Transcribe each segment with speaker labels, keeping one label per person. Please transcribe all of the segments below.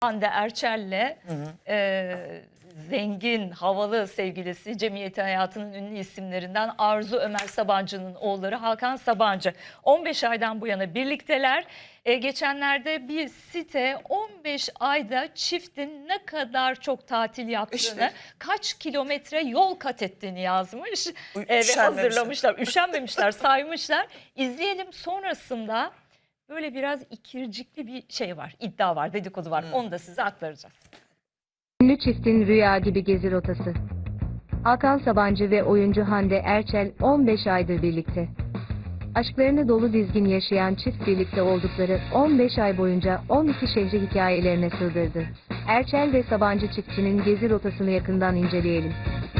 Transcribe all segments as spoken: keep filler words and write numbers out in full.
Speaker 1: Hande Erçel'le e, zengin, havalı sevgilisi, cemiyeti hayatının ünlü isimlerinden Arzu Ömer Sabancı'nın oğulları Hakan Sabancı. on beş aydan bu yana birlikteler. E, geçenlerde bir site on beş ayda çiftin ne kadar çok tatil yaptığını, işte, kaç kilometre yol kat ettiğini yazmış e, ve hazırlamışlar. Üşenmemişler, saymışlar. İzleyelim, sonrasında böyle biraz ikircikli bir şey var, iddia var, dedikodu var. Hmm. Onu da size aktaracağız.
Speaker 2: Ünlü çiftin rüya gibi gezi rotası. Hakan Sabancı ve oyuncu Hande Erçel on beş aydır birlikte. Aşklarını dolu dizgin yaşayan çift birlikte oldukları on beş ay boyunca on iki şehri hikayelerine sığdırdı. Erçel ve Sabancı çiftinin gezi rotasını yakından inceleyelim.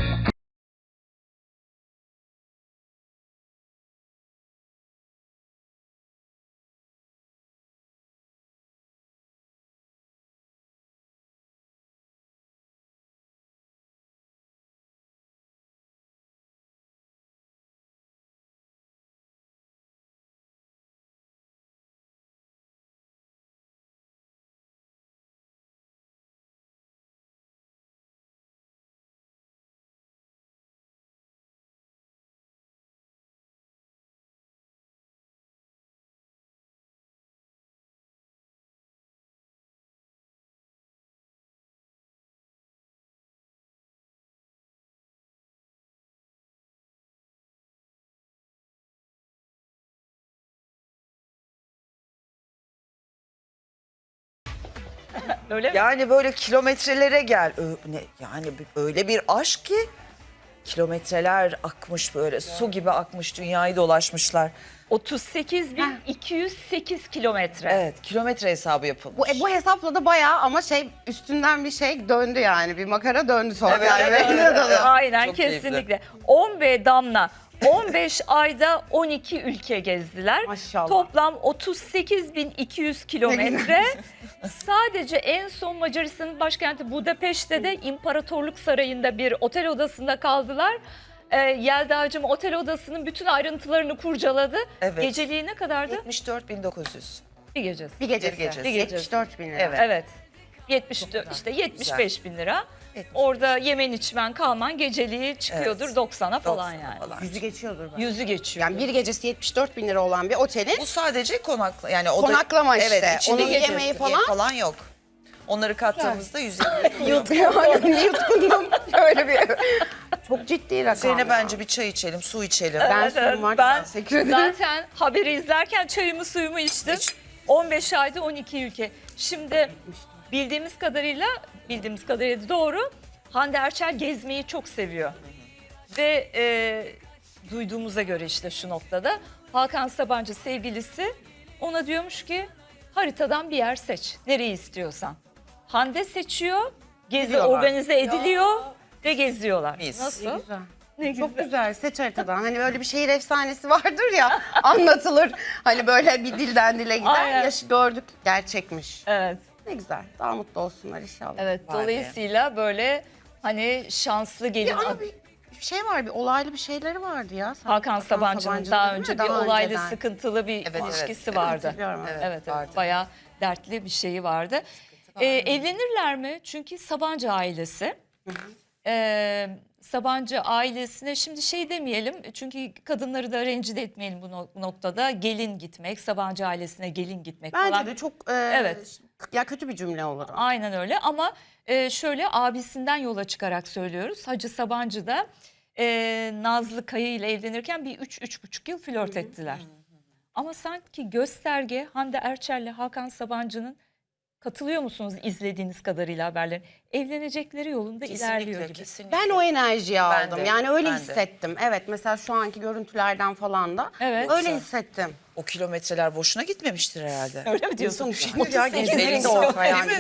Speaker 1: Öyle mi?
Speaker 3: Yani böyle kilometrelere gel. Ö- ne, yani öyle bir aşk ki kilometreler akmış, böyle su gibi akmış, dünyayı dolaşmışlar.
Speaker 1: otuz sekiz bin iki yüz sekiz kilometre.
Speaker 3: Evet, kilometre hesabı yapılmış.
Speaker 4: Bu, e, bu hesapla da bayağı ama şey üstünden bir şey döndü yani. Bir makara döndü sosyal
Speaker 3: Evet,
Speaker 4: medyada da.
Speaker 1: Aynen,
Speaker 3: Çok
Speaker 1: kesinlikle.
Speaker 3: keyifli.
Speaker 1: on ve Damla on beş ayda on iki ülke gezdiler.
Speaker 4: Maşallah.
Speaker 1: Toplam otuz sekiz bin iki yüz kilometre. Sadece en son Macaristan'ın başkenti Budapeşte de İmparatorluk Sarayı'nda bir otel odasında kaldılar. Ee, Yelda'cığım otel odasının bütün ayrıntılarını kurcaladı.
Speaker 3: Evet.
Speaker 1: Geceliği ne kadardı?
Speaker 3: yetmiş dört bin dokuz yüz.
Speaker 1: Bir gecesi.
Speaker 4: Bir gecesi.
Speaker 3: Bir gecesi.
Speaker 1: Bir gecesi.
Speaker 4: yetmiş dört bin lira.
Speaker 3: Evet.
Speaker 1: Evet. yetmiş dört, işte yetmiş beş bin lira.
Speaker 3: yetmiş.
Speaker 1: Orada yemen içmen kalman geceliği çıkıyordur
Speaker 3: Evet.
Speaker 1: doksana falan
Speaker 3: doksana
Speaker 1: yani.
Speaker 3: falan.
Speaker 4: Yüzü geçiyordur belki.
Speaker 1: Yüzü geçiyor.
Speaker 4: Yani bir gecesi yetmiş dört bin lira olan bir otelin
Speaker 3: Bu sadece konakla, yani o da-
Speaker 4: Konaklama işte.
Speaker 3: Evet, içinde
Speaker 4: Onun
Speaker 3: gecesi
Speaker 4: yemeği falan-
Speaker 3: falan yok. Onları kattığımızda yüz elli.
Speaker 4: yutkundum, yutkundum. Öyle bir çok ciddi rakam.
Speaker 3: Üzerine
Speaker 4: ya.
Speaker 3: bence bir çay içelim, su içelim.
Speaker 4: Ben
Speaker 1: Evet,
Speaker 4: suyum var.
Speaker 1: ben
Speaker 4: Teşekkür ederim.
Speaker 1: zaten haberi izlerken çayımı suyumu içtim.
Speaker 3: İç.
Speaker 1: on beş ayda on iki ülke. Şimdi bildiğimiz kadarıyla, bildiğimiz kadarıyla doğru, Hande Erçel gezmeyi çok seviyor. Ve e, duyduğumuza göre işte şu noktada Hakan Sabancı sevgilisi ona diyormuş ki haritadan bir yer seç. Nereyi istiyorsan. Hande seçiyor, gezi
Speaker 4: Gidiyorlar.
Speaker 1: organize ediliyor ve geziyorlar.
Speaker 3: Mis.
Speaker 1: Nasıl?
Speaker 4: Ne güzel.
Speaker 1: Ne
Speaker 4: Çok
Speaker 1: güzel.
Speaker 4: güzel, seç haritadan. Hani böyle bir şehir efsanesi vardır ya, anlatılır. Hani böyle bir dilden dile gider.
Speaker 1: Aynen.
Speaker 4: Yaş gördük, gerçekmiş.
Speaker 1: Evet.
Speaker 4: Ne güzel. Daha mutlu olsunlar inşallah.
Speaker 1: Evet,
Speaker 3: Vay be.
Speaker 1: dolayısıyla böyle hani şanslı gelin.
Speaker 4: Bir ama bir bir şey var, bir olaylı bir şeyleri vardı ya.
Speaker 1: Hakan Sabancı'nın
Speaker 4: Sabancı'nın
Speaker 1: daha
Speaker 4: değil mi?
Speaker 1: önce bir
Speaker 4: Daha
Speaker 1: olaylı,
Speaker 4: önceden.
Speaker 1: sıkıntılı bir
Speaker 3: Evet,
Speaker 1: ilişkisi
Speaker 3: evet.
Speaker 1: vardı.
Speaker 4: Hatırlıyorum,
Speaker 1: Evet,
Speaker 4: evet.
Speaker 1: evet, evet.
Speaker 3: Vardı.
Speaker 1: Bayağı dertli bir şeyi vardı. Ee, evlenirler mi? Çünkü Sabancı ailesi. Ee, Sabancı ailesine şimdi şey demeyelim, çünkü kadınları da rencide etmeyelim bu nok- noktada. Gelin gitmek, Sabancı ailesine gelin gitmek
Speaker 4: Bence
Speaker 1: falan.
Speaker 4: de çok e,
Speaker 1: Evet.
Speaker 4: ya kötü bir cümle olur. o.
Speaker 1: Aynen öyle, ama e, şöyle abisinden yola çıkarak söylüyoruz. Hacı Sabancı da e, Nazlı Kaya ile evlenirken bir üç üç buçuk yıl flört ettiler. Ama sanki gösterge Hande Erçel ile Hakan Sabancı'nın, katılıyor musunuz izlediğiniz kadarıyla haberlerin, evlenecekleri yolunda ilerliyor
Speaker 3: Kesinlikle,
Speaker 1: gibi.
Speaker 3: kesinlikle.
Speaker 4: Ben o enerjiyi
Speaker 3: Ben
Speaker 4: aldım.
Speaker 3: de,
Speaker 4: Yani öyle
Speaker 3: ben de.
Speaker 4: hissettim. Evet, mesela şu anki görüntülerden falan da
Speaker 1: Evet.
Speaker 4: öyle hissettim.
Speaker 3: O kilometreler boşuna gitmemiştir herhalde.
Speaker 1: Öyle mi diyorsun?
Speaker 4: İnsan üşenir ya,
Speaker 1: otuz sekiz
Speaker 4: gezmenin
Speaker 1: bin
Speaker 4: de olsa yani.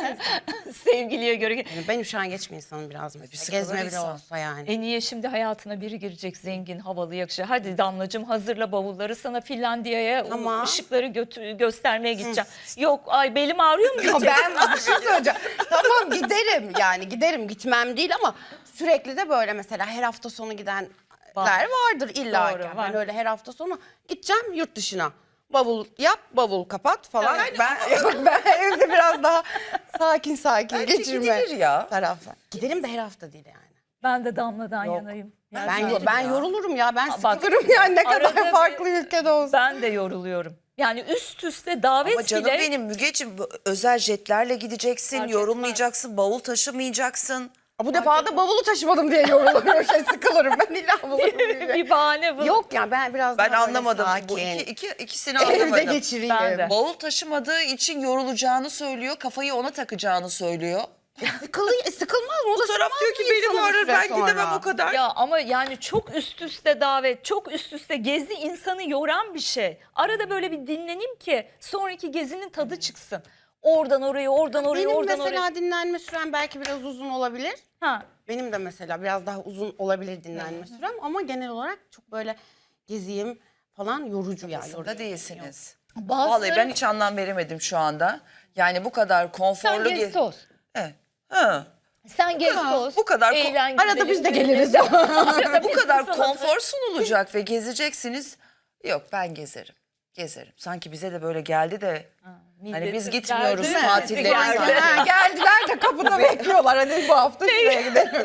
Speaker 1: Sevgiliye göre.
Speaker 4: Yani ben üşengeç bir insanım biraz mesela.
Speaker 3: sıkılır
Speaker 4: Gezme bile
Speaker 3: insan.
Speaker 4: olsa yani.
Speaker 1: E niye şimdi hayatına biri girecek, zengin, havalı, yakışıklı. Hadi Damlacığım hazırla bavulları, sana Finlandiya'ya
Speaker 4: Ama-
Speaker 1: ışıkları götü- göstermeye gideceğim. Yok ay belim ağrıyor mu
Speaker 4: Ya
Speaker 1: diyeceksin?
Speaker 4: ben bir şey söyleyeceğim. Tamam giderim yani giderim, gitmem değil ama sürekli de böyle mesela her hafta sonu gidenler
Speaker 1: Var.
Speaker 4: vardır illa
Speaker 1: Doğru,
Speaker 4: ki.
Speaker 1: var.
Speaker 4: Ben öyle her hafta sonu gideceğim yurt dışına. bavul yap, bavul kapat falan. ben ben evde biraz daha sakin sakin
Speaker 3: Bence
Speaker 4: geçirme
Speaker 3: gidilir ya.
Speaker 4: tarafı. Gidelim de her hafta değil yani.
Speaker 1: Ben de Damla'dan
Speaker 4: Yok.
Speaker 1: yanayım.
Speaker 4: Ben
Speaker 1: Yani
Speaker 4: ben yorulurum ya. Ben
Speaker 1: Bak,
Speaker 4: sıkılırım yani ne
Speaker 1: arada
Speaker 4: kadar
Speaker 1: bir-
Speaker 4: farklı ülkede olsa.
Speaker 1: ben de yoruluyorum. Yani üst üste davet
Speaker 3: Ama canım
Speaker 1: bile
Speaker 3: benim Mügeciğim, bu özel jetlerle gideceksin,
Speaker 1: Fark
Speaker 3: yorulmayacaksın, bavul taşımayacaksın.
Speaker 4: Bu defa da bavulu taşımadım diye yorulurum. Şey, sıkılırım ben illa bulurum diye.
Speaker 1: bir bahane bu.
Speaker 4: Yok yani ben biraz
Speaker 3: Ben
Speaker 4: daha böyle
Speaker 3: anlamadım. Bu
Speaker 4: sakin.
Speaker 3: iki, iki, ikisini
Speaker 4: Evde
Speaker 3: anlamadım.
Speaker 4: geçireyim.
Speaker 1: Ben de.
Speaker 3: Bavul taşımadığı için yorulacağını söylüyor, kafayı ona takacağını söylüyor.
Speaker 4: Sıkılı, sıkılmaz mı? O da
Speaker 3: Taraf
Speaker 4: sıkmaz
Speaker 3: diyor ki
Speaker 4: mı
Speaker 3: beni
Speaker 4: insanı bir
Speaker 3: bağırır,
Speaker 4: süre
Speaker 3: ben
Speaker 4: sonra?
Speaker 3: gidemem o kadar.
Speaker 1: Ya ama yani çok üst üste davet, çok üst üste gezi insanı yoran bir şey. Arada böyle bir dinleneyim ki sonraki gezinin tadı çıksın. Oradan oraya, oradan oraya,
Speaker 4: Benim
Speaker 1: oradan
Speaker 4: mesela
Speaker 1: oraya.
Speaker 4: dinlenme sürem belki biraz uzun olabilir.
Speaker 1: Ha.
Speaker 4: Benim de mesela biraz daha uzun olabilir dinlenme sürem ama genel olarak çok böyle geziyim falan yorucu ya.
Speaker 3: Aslında
Speaker 4: yorucu.
Speaker 3: değilsiniz.
Speaker 1: Bazıları-
Speaker 3: Vallahi ben hiç anlam veremedim şu anda. Yani bu kadar
Speaker 1: Sen
Speaker 3: konforlu...
Speaker 1: gez
Speaker 3: ge-
Speaker 1: toz.
Speaker 3: Evet. Ha.
Speaker 1: Sen gez
Speaker 3: Ha,
Speaker 1: toz.
Speaker 3: bu kadar ko-
Speaker 1: eğlen,
Speaker 4: Arada
Speaker 1: güzelim,
Speaker 4: biz de
Speaker 1: güzelim.
Speaker 4: geliriz.
Speaker 1: Arada
Speaker 3: Bu
Speaker 1: biz
Speaker 3: kadar
Speaker 1: sana-
Speaker 3: konfor sunulacak ve gezeceksiniz. Yok, ben gezerim. Gezerim. Sanki bize de böyle geldi de hani biz
Speaker 1: Milleti
Speaker 3: gitmiyoruz
Speaker 1: geldi mi?
Speaker 3: tatillere.
Speaker 1: Geldi.
Speaker 3: sanki.
Speaker 4: Ha, geldiler de kapıda bekliyorlar. Hadi bu hafta şuraya gidelim.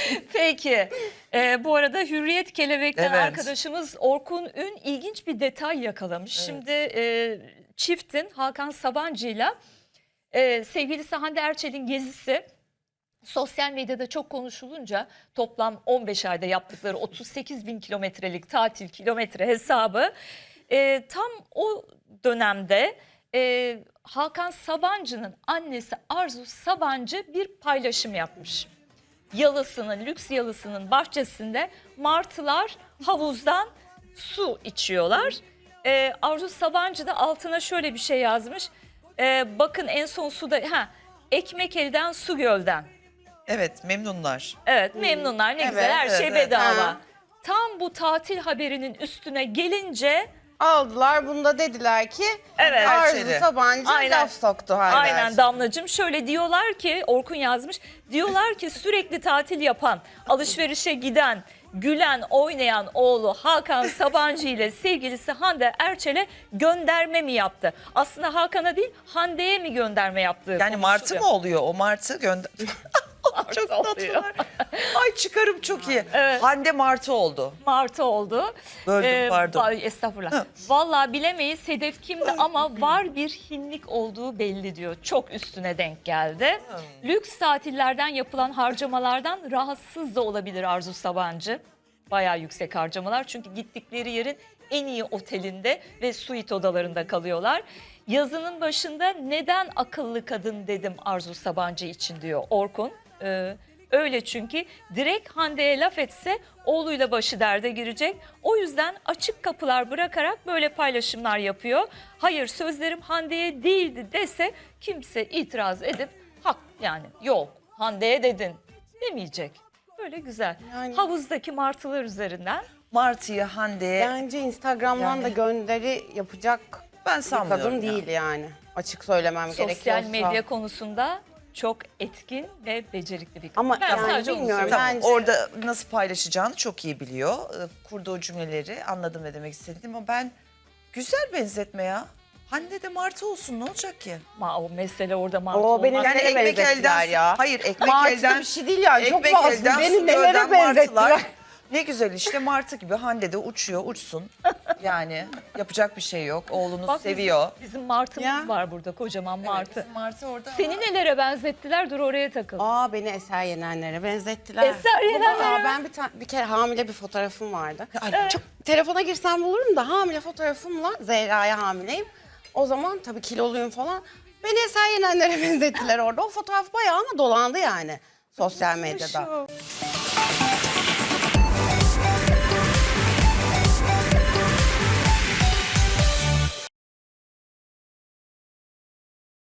Speaker 1: Peki. Ee, bu arada Hürriyet Kelebek'ten
Speaker 3: Evet.
Speaker 1: arkadaşımız Orkun Ün ilginç bir detay yakalamış. Şimdi e, çiftin Hakan Sabancı'yla e, sevgilisi Hande Erçel'in gezisi sosyal medyada çok konuşulunca toplam on beş ayda yaptıkları otuz sekiz bin kilometrelik tatil kilometre hesabı e, tam o dönemde e, Hakan Sabancı'nın annesi Arzu Sabancı bir paylaşım yapmış. Yalısının, lüks yalısının bahçesinde martılar havuzdan su içiyorlar. Ee, Arzu Sabancı da altına şöyle bir şey yazmış. Ee, bakın en son suda, ha, ekmek elden su gölden.
Speaker 3: Evet, memnunlar.
Speaker 1: Evet, memnunlar, ne güzel,
Speaker 4: Evet,
Speaker 1: her şey
Speaker 3: evet, evet.
Speaker 1: bedava.
Speaker 4: Ha.
Speaker 1: Tam bu tatil haberinin üstüne gelince
Speaker 4: Aldılar bunu da dediler ki
Speaker 1: Evet.
Speaker 4: Arzu
Speaker 3: Erçel'i.
Speaker 4: Sabancı
Speaker 1: Aynen.
Speaker 4: laf soktu Hande
Speaker 1: aynen
Speaker 4: Erçel.
Speaker 1: Damlacığım şöyle diyorlar ki, Orkun yazmış, diyorlar ki sürekli tatil yapan, alışverişe giden, gülen, oynayan oğlu Hakan Sabancı ile sevgilisi Hande Erçel'e gönderme mi yaptı? Aslında Hakan'a değil, Hande'ye mi gönderme yaptığı
Speaker 3: Yani martı
Speaker 1: konuşuluyor.
Speaker 3: mı oluyor? O martı gönder... Çok
Speaker 1: oluyor.
Speaker 3: tatlılar. Ay çıkarım çok iyi. Hande martı oldu.
Speaker 1: Martı oldu.
Speaker 3: Böldüm, pardon.
Speaker 1: va- Estağfurullah. Vallahi bilemeyiz hedef kimdi ama var bir hinlik olduğu belli diyor. Çok üstüne denk geldi. Lüks tatillerden yapılan harcamalardan rahatsız da olabilir Arzu Sabancı. Bayağı yüksek harcamalar çünkü gittikleri yerin en iyi otelinde ve suite odalarında kalıyorlar. Yazının başında neden akıllı kadın dedim Arzu Sabancı için diyor Orkun. Ee, öyle çünkü direkt Hande'ye laf etse oğluyla başı derde girecek. O yüzden açık kapılar bırakarak böyle paylaşımlar yapıyor. Hayır, sözlerim Hande'ye değildi dese kimse itiraz edip hak, yani yok Hande'ye dedin demeyecek. Böyle güzel.
Speaker 4: Yani-
Speaker 1: Havuzdaki martılar üzerinden.
Speaker 3: Martı'yı Hande'ye
Speaker 4: Bence Instagram'dan
Speaker 3: Yani-
Speaker 4: da gönderi yapacak
Speaker 3: ben
Speaker 4: bir
Speaker 3: sanmıyorum.
Speaker 4: kadın
Speaker 3: ya.
Speaker 4: değil yani. Açık söylemem gerekiyorsa.
Speaker 1: Sosyal medya konusunda çok etkin ve becerikli bir kadın.
Speaker 4: Ama
Speaker 1: Ben
Speaker 4: yani
Speaker 1: sadece onu
Speaker 4: bilmiyorum,
Speaker 1: söyleyeyim.
Speaker 3: Tamam,
Speaker 4: Bence-
Speaker 3: orada nasıl paylaşacağını çok iyi biliyor. Ee, Kurduğu cümleleri anladım ne demek istediğimi ama ben güzel benzetme ya. Hande de martı olsun, ne olacak ki?
Speaker 1: Ama o mesele orada mantı
Speaker 4: O
Speaker 1: olmak.
Speaker 4: beni
Speaker 3: Yani
Speaker 4: nelere
Speaker 3: ekmek
Speaker 4: benzettiler
Speaker 3: elden,
Speaker 4: ya.
Speaker 3: hayır ekmek
Speaker 4: Martı
Speaker 3: elden,
Speaker 4: bir şey değil yani. Çok
Speaker 3: ekmek
Speaker 4: fazla.
Speaker 3: elden
Speaker 4: Beni
Speaker 3: su
Speaker 4: nelere
Speaker 3: gölden
Speaker 4: benzettiler.
Speaker 3: martılar. Ne güzel işte martı gibi Hande de uçuyor, uçsun. Yani yapacak bir şey yok. Oğlunu
Speaker 1: Bak bizim-
Speaker 3: seviyor.
Speaker 1: Bizim, martımız
Speaker 4: Ya.
Speaker 1: var burada, kocaman martı.
Speaker 3: Martı orada.
Speaker 1: Seni nelere benzettiler? Dur oraya takıl.
Speaker 4: Aa, beni Eser Yenenler'e benzettiler.
Speaker 1: Eser Yenenler'e.
Speaker 4: Aa, ben bir, ta- bir kere hamile bir fotoğrafım vardı. Çok telefona girsem bulurum da hamile fotoğrafımla Zehra'ya hamileyim. O zaman tabii kiloluyum falan. Beni Eser Yenenler'e benzettiler orada. O fotoğraf bayağı ama dolandı yani sosyal medyada.